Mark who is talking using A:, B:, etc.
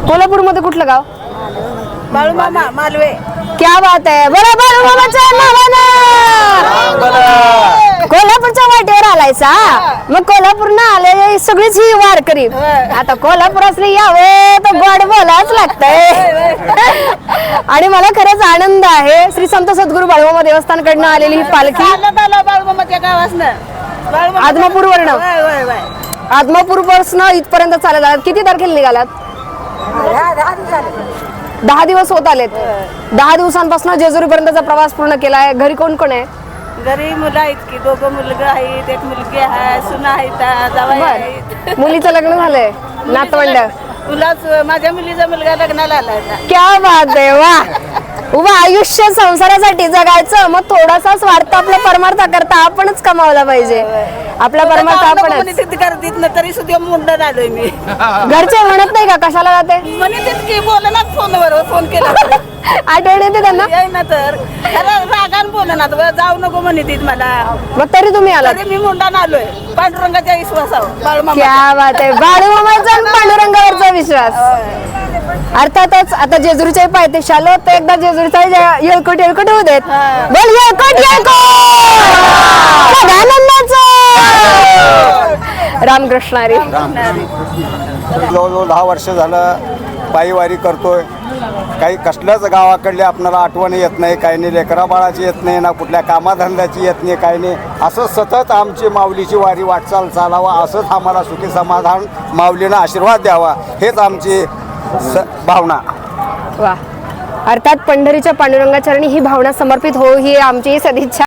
A: कोल्हापूर मध्ये कुठलं गाव?
B: बाळूमामा मालवे.
A: क्या बात आहे. बरं बाळूमामाच्या नावानं कोल्हापूरच्या वाटेवर आलायचा. मग कोल्हापूरनं आले सगळीच ही वारकरी. आता कोल्हापुरातले यावे तर गोड बोलाच लागतंय. आणि मला खरंच आनंद आहे, श्री संत सद्गुरू बाळूमामा देवस्थानकडनं आलेली ही पालखी
B: बाळूमामाच्या गावासनं
A: आदमापूरवरनं आदमापूरपासून इथपर्यंत चालत आलात. किती तारखेला निघालात? 10 दिवस होत आलेत. 10 दिवसांपासून जेजुरीपर्यंतचा प्रवास पूर्ण केलाय. घरी कोण कोण आहे?
B: घरी मुलं आहेत की 2 मुलगा आहेत, 1 मुलगी आहे, सुना आहेत, जावई आहेत.
A: मुलीचं लग्न झालंय? नातवंड?
B: माझ्या मुलीचा मुलगा लग्नाला आला.
A: क्या बात आहे. वा उभा आयुष्य संसारासाठी जगायचं, मग थोडासा स्वार्थ आपला परमार्थ करता आपणच कमावला पाहिजे. आपला परमार्थ आपणच
B: करतीत ना, तरी सुद्धा मुंडन आलोय मी.
A: घरचे म्हणत नाही का कशाला जाते?
B: म्हणे की बोला ना फोनवर, फोन केला
A: आठवण येते त्यांना?
B: ना तर रागान बोला ना, जाऊ नको म्हणे मला.
A: मग तरी तुम्ही आला?
B: मी मुंडान आलोय पांडुरंगाच्या विश्वासावर. बाळूमामा.
A: क्या बात आहे. बाळूमामाचा आणि पांडुरंगावरचा विश्वास. अर्थातच आता जेजुरीच्या पायथ्याशी आलो तर एकदा जेजुरीचा येळकोट येळकोट होऊ देत. बोल येळकोट येळकोट. रामकृष्ण हरी.
C: जवळजवळ 10 वर्ष झालं पायीवारी करतोय. काही कसल्याच गावाकडले आपल्याला आठवण येत नाही, काही नाही लेकरा बाळाची येत नाही, ना कुठल्या कामाधंद्याची येत नाही, काही नाही. असं सतत आमची माऊलीची वारी वाटचाल चालावा, असंच आम्हाला सुखी समाधान माऊलीनं आशीर्वाद द्यावा, हेच आमची भावना.
A: वा. अर्थात पंढरीच्या पांडुरंगाचरणी ही भावना समर्पित हो ही आमची सदिच्छा.